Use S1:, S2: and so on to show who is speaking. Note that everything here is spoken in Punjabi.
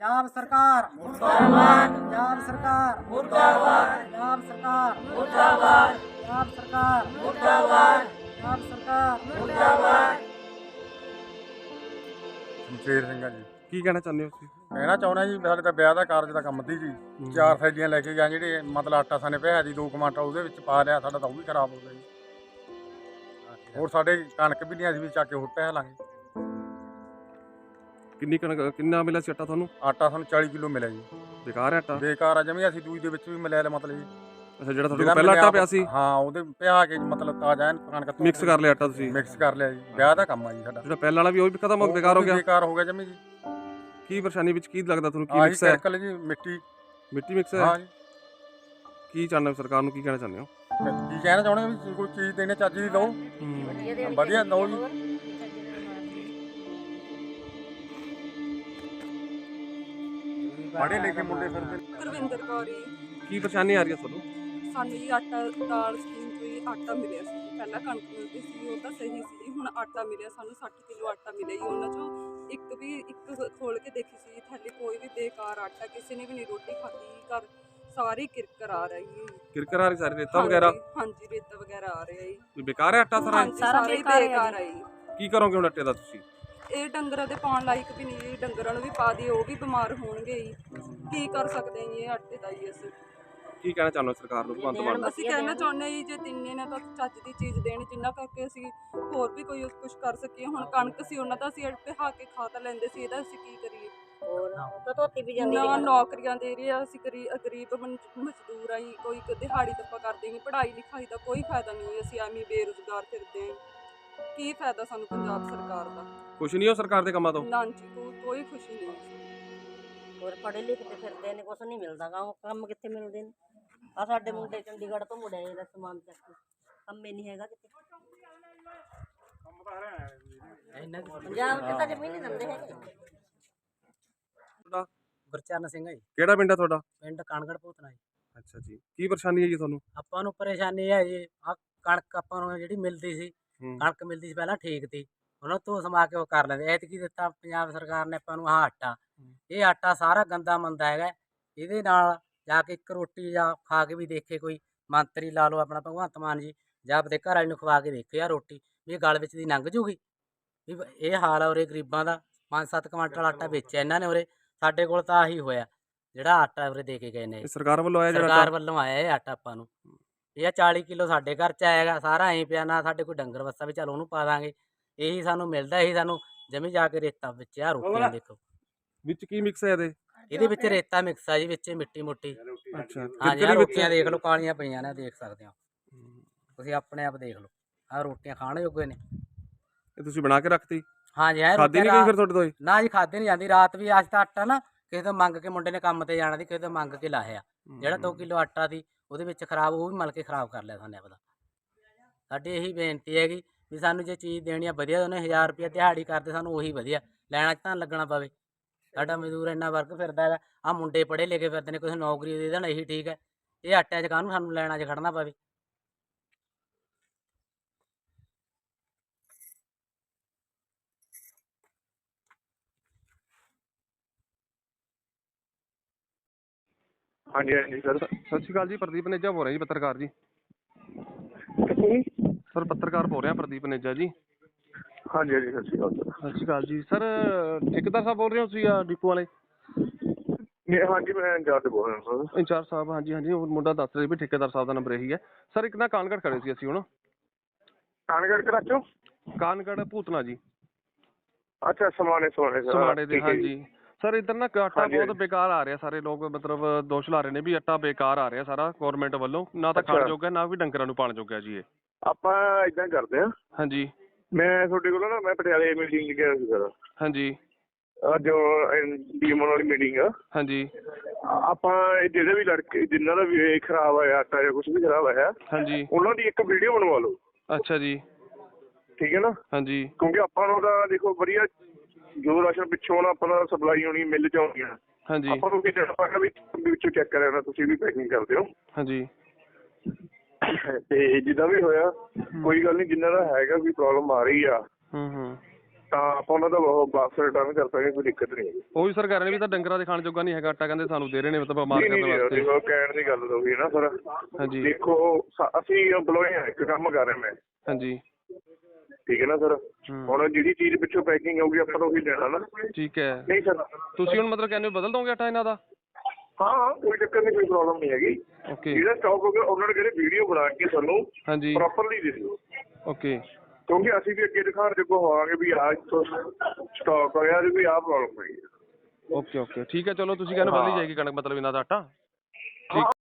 S1: पंजाब सरकार मुर्दाबाद, पंजाब सरकार मुर्दाबाद, पंजाब सरकार मुर्दाबाद, पंजाब सरकार मुर्दाबाद, पंजाब सरकार मुर्दाबाद।
S2: ਸ਼ਮਸ਼ੇਰ ਸਿੰਘ ਆ ਜੀ।
S3: ਕੀ ਕਹਿਣਾ ਚਾਹੁੰਦੇ ਹੋ ਤੁਸੀਂ?
S2: ਕਹਿਣਾ ਚਾਹੁੰਦਾ ਜੀ ਸਾਡੇ ਤਾਂ ਵਿਆਹ ਦਾ ਕਾਰਜ ਦਾ ਕੰਮ ਸੀ ਜੀ। 4 ਥੈਲੀਆਂ ਲੈ ਕੇ ਗਏ ਜਿਹੜੇ ਮਤਲਬ ਆਟਾ ਸਾਨੇ ਪਿਆ ਜੀ 2 ਕੁਆਂਟਲ ਉਹਦੇ ਵਿੱਚ ਪਾ ਲਿਆ, ਸਾਡਾ ਤਾਂ ਉਹ ਵੀ ਖਰਾਬ ਹੋ ਗਿਆ ਜੀ। ਹੋਰ ਸਾਡੇ ਕਣਕ ਵੀ ਨਹੀਂ, ਅਸੀਂ ਵੀ ਚੱਕ ਕੇ ਹੋਰ ਪੈ ਲਾਂਗੇ।
S3: ਕਿੰਨੀ ਕਣਕ ਕਿੰਨਾ ਮਿਲਿਆ ਸੀ ਆਟਾ ਤੁਹਾਨੂੰ?
S2: ਆਟਾ ਸਾਨੂੰ 40 ਕਿਲੋ ਮਿਲਿਆ ਜੀ।
S3: ਬੇਕਾਰ ਹੈ ਆਟਾ?
S2: ਬੇਕਾਰ ਆ ਜਮੀ, ਅਸੀਂ ਦੂਜੀ ਦੇ ਵਿੱਚ ਵੀ ਮਿਲਿਆ ਮਤਲਬ ਜੀ।
S3: ਅੱਛਾ, ਜਿਹੜਾ ਤੁਹਾਡੇ ਕੋਲ ਪਹਿਲਾਂ ਆਟਾ ਪਿਆ ਸੀ?
S2: ਹਾਂ, ਉਹਦੇ ਪਿਆ ਕੇ ਮਤਲਬ ਤਾਜ਼ਾ ਕਣਕ
S3: ਮਿਕਸ ਕਰ ਲਿਆ ਆਟਾ ਤੁਸੀਂ?
S2: ਮਿਕਸ ਕਰ ਲਿਆ ਜੀ। ਵਿਆਹ ਦਾ ਕੰਮ ਆ ਜੀ ਸਾਡਾ।
S3: ਜਿਹੜਾ ਪਹਿਲਾਂ ਵਾਲਾ ਵੀ ਉਹ ਵੀ ਖਤਮ ਹੋ ਬੇਕਾਰ ਹੋ ਗਿਆ?
S2: ਬੇਕਾਰ ਹੋ ਗਿਆ ਜਮੀ ਜੀ।
S3: ਕੀ ਪਰੇਸ਼ਾਨੀ ਵਿੱਚ ਕੀ ਲੱਗਦਾ ਤੁਹਾਨੂੰ? ਕੀ ਮਿਕਸ ਹੈ?
S2: ਸਰਕਲ ਜੀ, ਮਿੱਟੀ
S3: ਮਿਕਸ ਹੈ।
S2: ਹਾਂ ਜੀ।
S3: ਕੀ ਚਾਹੁੰਦੇ ਹੋ ਸਰਕਾਰ ਨੂੰ, ਕੀ ਕਹਿਣਾ ਚਾਹੁੰਦੇ ਹੋ?
S2: ਕੀ ਕਹਿਣਾ ਚਾਹੁੰਦੇ ਹੋ ਵੀ ਕੋਈ ਚੀਜ਼ ਦੇਣੇ ਚੱਜ ਦੀ ਦਿਓ, ਵਧੀਆ ਦਿਓ ਜੀ। ਪੜ੍ਹੇ ਲਿਖੇ ਮੁੰਡੇ ਫਿਰਦੇ।
S4: ਗੁਰਵਿੰਦਰ ਕੌਰ ਜੀ।
S3: ਕੀ ਪਰੇਸ਼ਾਨੀ ਆ ਰਹੀ ਹੈ ਤੁਹਾਨੂੰ?
S4: ਸਾਨੂੰ ਜੀ ਆਟਾ ਦਾਲ ਸਕੀਮ ਤੋਂ ਹੀ ਆਟਾ ਮਿਲਿਆ ਸੀ ਜੀ। ਪਹਿਲਾਂ ਕਣਕ ਮਿਲਦੀ ਸੀ, ਉਹ ਤਾਂ ਸਹੀ ਸੀ ਜੀ। ਹੁਣ ਆਟਾ ਮਿਲਿਆ ਸਾਨੂੰ 60 ਕਿਲੋ ਆਟਾ ਮਿਲਿਆ ਜੀ। ਉਹਨਾਂ 'ਚੋਂ ਇੱਕ ਖੋਲ ਕੇ ਦੇਖੀ ਸੀ ਥੱਲੇ, ਕੋਈ ਵੀ ਬੇਕਾਰ ਆਟਾ, ਕਿਸੇ ਨੇ ਵੀ ਨਹੀਂ ਰੋਟੀ ਖਾਧੀ। ਘਰ ਸਾਰੀ ਕਿਰਕਰ ਆ ਰਹੀ ਹੈ।
S3: ਕਿਰਕਰ ਆ ਰਹੀ ਸਾਰੀ? ਰੇਤਾ ਵਗੈਰਾ?
S4: ਹਾਂਜੀ, ਰੇਤਾ ਵਗੈਰਾ ਆ ਰਿਹਾ ਜੀ।
S3: ਬੇਕਾਰ ਹੈ ਆਟਾ ਸਾਰਾ?
S4: ਸਾਰਾ ਬੇਕਾਰ ਹੈ ਜੀ।
S3: ਕੀ ਕਰੋਗੇ ਹੁਣ ਆਟੇ ਦਾ ਤੁਸੀਂ?
S4: ਇਹ ਡੰਗਰਾਂ ਦੇ ਪਾਉਣ ਲਾਇਕ ਵੀ ਨਹੀਂ ਜੀ। ਡੰਗਰਾਂ ਨੂੰ ਵੀ ਪਾ ਦਈਏ ਉਹ ਵੀ ਬਿਮਾਰ ਹੋਣਗੇ ਜੀ। ਕੀ ਕਰ ਸਕਦੇ ਹਾਂ ਜੀ ਇਹ ਆਟੇ ਦਾ ਜੀ। ਅਸੀਂ
S3: ਕੀ ਕਹਿਣਾ ਚਾਹੁੰਦੇ ਹੋ ਸਰਕਾਰ ਨੂੰ, ਭਗਵੰਤ ਮਾਨ ਨੂੰ?
S4: ਅਸੀਂ ਕਹਿਣਾ ਚਾਹੁੰਦੇ ਜੀ ਜੇ ਦਿੰਨੇ ਨੇ ਤਾਂ ਚੱਜ ਦੀ ਚੀਜ਼ ਦੇਣ, ਜਿੰਨਾ ਕਰਕੇ ਅਸੀਂ ਹੋਰ ਵੀ ਕੋਈ ਕੁਝ ਕਰ ਸਕੀਏ। ਹੁਣ ਕਣਕ ਸੀ ਉਹਨਾਂ ਦਾ, ਅਸੀਂ ਪਿਹਾ ਕੇ ਖਾ ਤਾਂ ਲੈਂਦੇ ਸੀ, ਇਹਦਾ ਅਸੀਂ ਕੀ ਕਰੀਏ? ਨਾ ਨੌਕਰੀਆਂ ਦੇ ਰਹੇ ਆ, ਅਸੀਂ ਗਰੀਬ ਮਜ਼ਦੂਰ ਆ ਜੀ। ਕੋਈ ਦਿਹਾੜੀ ਦੱਪਾ ਕਰਦੇ ਨਹੀਂ, ਪੜ੍ਹਾਈ ਲਿਖਾਈ ਦਾ ਕੋਈ ਫਾਇਦਾ ਨਹੀਂ। ਅਸੀਂ ਐਵੇਂ ਬੇਰੁਜ਼ਗਾਰ ਫਿਰਦੇ ਹਾਂ। ਕੀ ਫਾਇਦਾ ਸਾਨੂੰ ਪੰਜਾਬ ਸਰਕਾਰ ਦਾ?
S3: ਕੁਛ ਨਹੀਂ ਹੋ ਸਰਕਾਰ ਦੇ ਕੰਮਾਂ ਤੋਂ?
S4: ਨਾ ਜੀ, ਕੋਈ ਖੁਸ਼ੀ ਨਹੀਂ।
S5: ਹੋਰ ਪੜ੍ਹੇ ਲਿਖੇ ਫਿਰਦੇ ਨੇ, ਕੁਛ ਨਹੀਂ ਮਿਲਦਾ ਕੰਮ ਕਿੱਥੇ ਮਿਲਦੇ ਨੇ? ਆ ਸਾਡੇ ਮੁੰਡੇ ਚੰਡੀਗੜ੍ਹ ਤੋਂ ਮੁੜਿਆ ਇਹਦਾ ਸਮਾਨ ਚੱਕ ਕੇ, ਕੰਮੇ ਨਹੀਂ ਹੈਗਾ ਕਿਤੇ। ਪੰਜਾਬ 'ਚ ਤਾਂ ਜ਼ਮੀਨ ਨਹੀਂ ਦਿੰਦੇ ਹੈਗੇ।
S1: ਗੁਰਚਰਨ ਸਿੰਘ ਹੈ ਜੀ।
S3: ਕਿਹੜਾ ਪਿੰਡ ਹੈ ਤੁਹਾਡਾ?
S1: ਪਿੰਡ ਕਾਨਗੜ ਭੂਤਨਾ ਜੀ।
S3: ਅੱਛਾ ਜੀ, ਕੀ ਪਰੇਸ਼ਾਨੀ ਹੈ ਜੀ ਤੁਹਾਨੂੰ?
S1: ਆਪਾਂ ਨੂੰ ਪਰੇਸ਼ਾਨੀ ਹੈ ਜੀ, ਆ ਕਣਕ ਆਪਾਂ ਨੂੰ ਜਿਹੜੀ ਮਿਲਦੀ ਸੀ, ਕਣਕ ਮਿਲਦੀ ਸੀ ਪਹਿਲਾਂ ਠੀਕ ਤੀ, ਉਹਨਾਂ ਤੋਂ ਸਮਾ ਕੇ ਉਹ ਕਰ ਲੈਂਦੇ। ਐਤਕੀ ਦਿੱਤਾ ਪੰਜਾਬ ਸਰਕਾਰ ਨੇ ਆਪਾਂ ਨੂੰ ਆਹ ਆਟਾ। ਇਹ ਆਟਾ ਸਾਰਾ ਗੰਦਾ ਮੰਦਾ ਹੈਗਾ। ਇਹਦੇ ਨਾਲ ਜਾ ਕੇ ਇੱਕ ਰੋਟੀ ਜਾਂ ਖਾ ਕੇ ਵੀ ਦੇਖੇ ਕੋਈ ਮੰਤਰੀ, ਲਾ ਲਓ ਆਪਣਾ ਭਗਵੰਤ ਮਾਨ ਜੀ, ਜਾਂ ਆਪਦੇ ਘਰ ਵਾਲੇ ਨੂੰ ਖਵਾ ਕੇ ਦੇਖੇ ਆ ਰੋਟੀ, ਵੀ ਇਹ ਗਲ ਵਿੱਚ ਦੀ ਲੰਘ ਜੂਗੀ। ਵੀ ਇਹ ਹਾਲ ਆ ਉਰੇ ਗਰੀਬਾਂ ਦਾ। 5-7 ਕੁਆਂਟਲ ਆਟਾ ਵੇਚਿਆ ਇਹਨਾਂ ਨੇ ਉਰੇ। ਸਾਡੇ ਕੋਲ ਤਾਂ ਆਹੀ ਹੋਇਆ ਜਿਹੜਾ ਆਟਾ ਉਰੇ ਦੇ ਕੇ ਗਏ ਨੇ।
S3: ਸਰਕਾਰ ਵੱਲੋਂ ਆਇਆ?
S1: ਸਰਕਾਰ ਵੱਲੋਂ ਆਇਆ ਇਹ ਆਟਾ ਆਪਾਂ ਨੂੰ। ਇਹ 40 ਕਿਲੋ ਸਾਡੇ ਘਰ 'ਚ ਆਏਗਾ, ਸਾਰਾ ਐਂ ਪਿਆ। ਨਾ ਸਾਡੇ ਕੋਈ ਡੰਗਰ ਵੱਸਾ ਵੀ ਚੱਲ ਉਹਨੂੰ ਪਾ ਦਾਂਗੇ। ਇਹੀ ਸਾਨੂੰ ਮਿਲਦਾ, ਇਹੀ ਸਾਨੂੰ ਜਮੀ ਜਾ ਕੇ ਰੇਤਾ ਵਿੱਚ ਆ ਰੋਟੀਆਂ ਦੇਖੋ।
S3: ਵਿੱਚ ਕੀ ਮਿਕਸ ਹੈ
S1: ਇਹਦੇ ਵਿੱਚ ਰੇਤਾ ਮਿਕਸ ਆ ਜੀ, ਵਿੱਚ ਮਿੱਟੀ ਮੁੱਟੀ।
S3: ਅੱਛਾ,
S1: ਹਾਂਜੀ, ਆਹ ਰੋਟੀਆਂ ਦੇਖ ਲਓ, ਕਾਲੀਆਂ ਪਈਆਂ ਨੇ, ਦੇਖ ਸਕਦੇ ਹੋ ਤੁਸੀਂ ਆਪਣੇ ਆਪ ਦੇਖ ਲਓ। ਆਹ ਰੋਟੀਆਂ ਖਾਣ ਜੋਗੇ ਨੇ।
S3: ਇਹ ਤੁਸੀਂ ਬਣਾ ਕੇ ਰੱਖਤੀ?
S1: ਹਾਂਜੀ,
S3: ਖਾਦੀ ਨਹੀਂ ਗਈ ਫਿਰ ਤੁਹਾਡੇ ਤੋਂ?
S1: ਨਾ ਜੀ, ਖਾਦੀ ਨਹੀਂ ਜਾਂਦੀ। ਰਾਤ ਵੀ ਅੱਜ ਤਾਂ ਆਟਾ ਨਾ ਕਿਸੇ ਤੋਂ ਮੰਗ ਕੇ, ਮੁੰਡੇ ਨੇ ਕੰਮ ਤੇ ਜਾਣਾ ਸੀ, ਕਿਸੇ ਤੋਂ ਮੰਗ ਕੇ ਲਾਇਆ। ਜਿਹੜਾ 2 ਕਿਲੋ ਆਟਾ ਸੀ ਉਹਦੇ ਵਿੱਚ ਖਰਾਬ, ਉਹ ਵੀ ਮਲ ਕੇ ਖਰਾਬ ਕਰ ਲਿਆ ਸਾਨੇ ਆਪਦਾ। ਸਾਡੀ ਇਹੀ ਬੇਨਤੀ ਹੈਗੀ ਵੀ ਸਾਨੂੰ ਜੇ ਚੀਜ਼ ਦੇਣੀ ਆ ਵਧੀਆ, ਉਹਨੇ 1000 ਰੁਪਇਆ ਦਿਹਾੜੀ ਕਰਦੇ, ਸਾਨੂੰ ਉਹੀ ਵਧੀਆ। ਲੈਣਾ 'ਚ ਤਾਂ ਲੱਗਣਾ ਪਵੇ। ਸਾਡਾ ਮਜ਼ਦੂਰ ਇੰਨਾ ਵਰਕ ਫਿਰਦਾ ਹੈਗਾ। ਆਹ ਮੁੰਡੇ ਪੜ੍ਹੇ ਲਿਖੇ ਫਿਰਦੇ ਨੇ, ਕੁਛ ਨੌਕਰੀ ਦੇ ਦੇਣ, ਇਹੀ ਠੀਕ ਹੈ। ਇਹ ਆਟਿਆਂ 'ਚ ਕਾਹਨੂੰ ਸਾਨੂੰ ਲੈਣਾ 'ਚ ਖੜਨਾ ਪਵੇ।
S6: ਹਾਂਜੀ ਹਾਂਜੀ ਸਰ।
S3: ਸਤਿ ਸ਼੍ਰੀ ਅਕਾਲ ਜੀ, ਪ੍ਰਦੀਪ ਨੇਜਾ ਬੋਲ ਰਿਹਾ ਜੀ, ਪੱਤਰਕਾਰ ਜੀ। ਸਰ ਪੱਤਰਕਾਰ ਬੋਲ ਰਿਹਾ, ਪ੍ਰਦੀਪ ਨੇਜਾ ਜੀ।
S6: ਹਾਂਜੀ ਹਾਂਜੀ, ਸਤਿ ਸ਼੍ਰੀ ਅਕਾਲ ਸਰ।
S3: ਸਤਿ ਸ਼੍ਰੀ ਅਕਾਲ ਜੀ। ਸਰ ਠੇਕੇਦਾਰ ਸਾਹਿਬ ਬੋਲ ਰਹੇ ਹੋ ਤੁਸੀਂ ਡਿਪੂ ਵਾਲੇ?
S6: ਹਾਂਜੀ, ਮੈਂ ਇੰਚਾਰਜ ਬੋਲ ਰਿਹਾ ਸਰ।
S3: ਇੰਚਾਰਜ ਸਾਹਿਬ, ਹਾਂਜੀ ਹਾਂਜੀ, ਉਹ ਮੁੰਡਾ ਦੱਸ ਰਿਹਾ ਵੀ ਠੇਕੇਦਾਰ ਸਾਹਿਬ ਦਾ ਨੰਬਰ ਇਹੀ ਹੈ। ਸਰ ਇੱਕ ਨਾ ਕਾਨਗੜ ਖੜੇ ਸੀ ਅਸੀਂ ਹੁਣ।
S6: ਕਾਨਗੜ ਕਰਾਚੋ?
S3: ਕਾਨਗੜ ਭੂਤਨਾ ਜੀ।
S6: ਅੱਛਾ, ਸਮਾਣੇ
S3: ਸਮਾਣੇ ਦੇ, ਹਾਂਜੀ। ਸਰ ਇੱਧਰ ਨਾ ਆਟਾ ਬਹੁਤ ਬੇਕਾਰ ਆ ਰਿਹਾ। ਸਾਰੇ ਲੋਕ ਮਤਲਬ ਦੋਸ਼ ਲਾ ਰਹੇ ਨੇ ਵੀ ਆਟਾ ਬੇਕਾਰ ਆ ਰਿਹਾ ਸਾਰਾ ਗੌਰਮੈਂਟ ਵੱਲੋਂ। ਨਾ ਤਾਂ ਖਾਣ ਜੋਗਾ, ਨਾ ਵੀ ਡੰਗਰਾਂ ਨੂੰ ਪਾਣ ਜੋਗਾ ਜੀ। ਇਹ
S6: ਆਪਾਂ ਏਦਾਂ ਕਰਦੇ ਹਾਂ।
S3: ਹਾਂਜੀ,
S6: ਮੈਂ ਤੁਹਾਡੇ ਕੋਲ ਨਾ, ਮੈਂ ਪਟਿਆਲੇ ਮੀਟਿੰਗ 'ਚ ਗਿਆ ਸੀ ਸਰ।
S3: ਹਾਂਜੀ,
S6: ਅੱਜ ਡੀਐਮਓ ਵਾਲੀ ਮੀਟਿੰਗ ਆ।
S3: ਹਾਂਜੀ।
S6: ਆਪਾਂ ਜਿਹੜੇ ਵੀ ਲੜਕੇ ਜਿਨ੍ਹਾਂ ਦਾ ਵੀ ਖਰਾਬ ਹੋਇਆ ਆਟਾ ਜਾਂ ਕੁਛ ਵੀ ਖਰਾਬ ਹੋਇਆ,
S3: ਹਾਂਜੀ,
S6: ਉਹਨਾਂ ਦੀ ਇੱਕ ਵੀਡੀਓ ਬਣਵਾ ਲਓ।
S3: ਅੱਛਾ ਜੀ,
S6: ਠੀਕ ਹੈ ਨਾ?
S3: ਹਾਂਜੀ।
S6: ਕਿਉਂਕਿ ਆਪਾਂ ਨੂੰ ਤਾਂ ਦੇਖੋ ਵਧੀਆ ਜੋ ਰਾਸ਼ਨ ਪਿੱਛੋਂ ਨਾ ਆਪਾਂ ਸਪਲਾਈ ਹੋਣੀ, ਮਿਲ 'ਚ ਆਉਣੀ ਆ।
S3: ਹਾਂਜੀ,
S6: ਆਪਾਂ ਨੂੰ ਕਿਤੇ ਆਪਾਂ ਵੀ ਵਿੱਚੋਂ ਚੈੱਕ ਕਰਿਆ, ਤੁਸੀਂ ਵੀ ਪੈਕਿੰਗ ਕਰਦੇ ਹੋ।
S3: ਹਾਂਜੀ।
S6: ਤੇ ਜਿੱਦਾਂ ਵੀ ਹੋਇਆ, ਕੋਈ ਗੱਲ ਨਹੀਂ, ਜਿੰਨਾ ਦਾ ਹੈਗਾ ਕੋਈ ਪ੍ਰੋਬਲਮ ਆ ਰਹੀ ਆ, ਤਾਂ ਆਪਾਂ ਉਹਨਾਂ ਦਾ ਵਾਪਸ ਰਿਟਰਨ ਕਰ ਸਕਦੇ, ਕੋਈ ਦਿੱਕਤ ਨਹੀਂ ਹੈਗੀ।
S3: ਉਹੀ ਸਰ ਕਹਿ ਰਹੇ ਨੇ ਵੀ ਤਾਂ ਡੰਗਰਾਂ ਦੇ ਖਾਣ ਜੋਗਾ ਨਹੀਂ ਹੈਗਾ ਆਟਾ, ਕਹਿੰਦੇ ਸਾਨੂੰ ਦੇ ਰਹੇ ਨੇ ਮਤਲਬ ਬਿਮਾਰ ਕਰਨ ਵਾਸਤੇ।
S6: ਦੇਖੋ ਕਹਿਣ ਦੀ ਗੱਲ ਤਾਂ ਹੋਈ ਨਾ ਸਰ।
S3: ਹਾਂਜੀ
S6: ਦੇਖੋ ਅਸੀਂ EMPLOYE ਆ, ਇੱਕ ਕੰਮ ਕਰ ਰਿਹਾ ਮੈਂ।
S3: ਹਾਂਜੀ
S6: ਠੀਕ ਹੈ ਨਾ ਸਰ। ਹੁਣ ਜਿਹੜੀ ਚੀਜ਼ ਪਿੱਛੋਂ ਪੈਕਿੰਗ ਆਊਗੀ ਆਪਾਂ ਨੂੰ ਉਹੀ ਲੈਣਾ ਨਾ।
S3: ਠੀਕ ਹੈ।
S6: ਨਹੀਂ ਸਰ
S3: ਤੁਸੀਂ ਹੁਣ ਮਤਲਬ ਕਹਿੰਦੇ ਹੋ ਬਦਲ ਦੋਗੇ ਆਟਾ ਇਹਨਾਂ ਦਾ?
S6: ਹਾਂ ਕੋਈ ਚੱਕਰ ਨਹੀਂ, ਕੋਈ ਪ੍ਰੋਬਲਮ ਨਹੀਂ ਹੈਗੀ।
S3: ਓਕੇ
S6: ਜਿਹੜਾ ਸਟਾਕ ਹੋਗਾ ਉਹਨਾਂ ਨੇ ਕਹਿੰਦੇ ਵੀਡੀਓ ਬਣਾ ਕੇ ਸਾਨੂੰ
S3: ਹਾਂਜੀ
S6: ਪ੍ਰੋਪਰਲੀ ਦੇ ਦਿਓ,
S3: ਓਕੇ
S6: ਕਿਉਂਕਿ ਅਸੀਂ ਵੀ ਅੱਗੇ ਦਿਖਾਉਣ ਜੋਗੇ ਹੋਵਾਂਗੇ ਵੀ ਆਹ ਸਟਾਕ ਹੋਇਆ ਵੀ ਆਹ ਪ੍ਰੋਬਲਮ ਹੋਈ।
S3: ਓਕੇ ਓਕੇ ਠੀਕ ਹੈ। ਚਲੋ ਤੁਸੀਂ ਕਹਿੰਦੇ ਬਦਲੀ ਜਾਏਗੀ ਕਣਕ ਮਤਲਬ ਇਹਨਾਂ ਦਾ ਆਟਾ? ਠੀਕ।